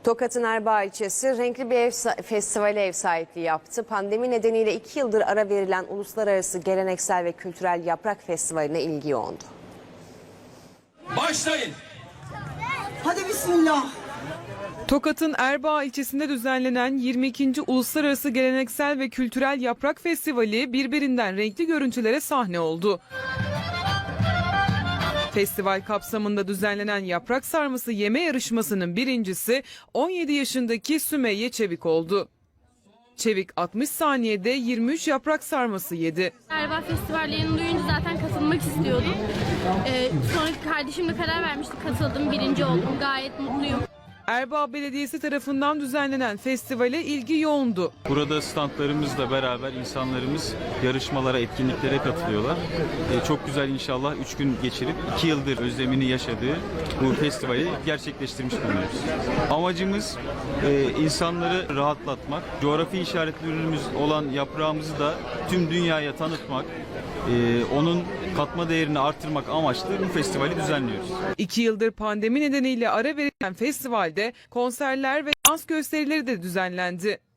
Tokat'ın Erbaa ilçesi renkli bir festivale ev sahipliği yaptı. Pandemi nedeniyle 2 yıldır ara verilen uluslararası geleneksel ve kültürel yaprak festivaline ilgi yoğundu. Başlayın. Hadi bismillah. Tokat'ın Erbaa ilçesinde düzenlenen 22. Uluslararası Geleneksel ve Kültürel Yaprak Festivali birbirinden renkli görüntülere sahne oldu. Festival kapsamında düzenlenen yaprak sarması yeme yarışmasının birincisi 17 yaşındaki Sümeyye Çevik oldu. Çevik 60 saniyede 23 yaprak sarması yedi. Erbaa festivallerini duyunca zaten katılmak istiyordum. Sonra kardeşimle karar vermiştik, katıldım, birinci oldum, gayet mutluyum. Erbaa Belediyesi tarafından düzenlenen festivale ilgi yoğundu. Burada standlarımızla beraber insanlarımız yarışmalara, etkinliklere katılıyorlar. Çok güzel, inşallah 3 gün geçirip 2 yıldır özlemini yaşadığı bu festivali gerçekleştirmiş bulunuyoruz. Amacımız insanları rahatlatmak, coğrafi işaretli ürünümüz olan yaprağımızı da tüm dünyaya tanıtmak, onun katma değerini artırmak amaçlı bu festivali düzenliyoruz. 2 yıldır pandemi nedeniyle ara verilen festivalde konserler ve dans gösterileri de düzenlendi.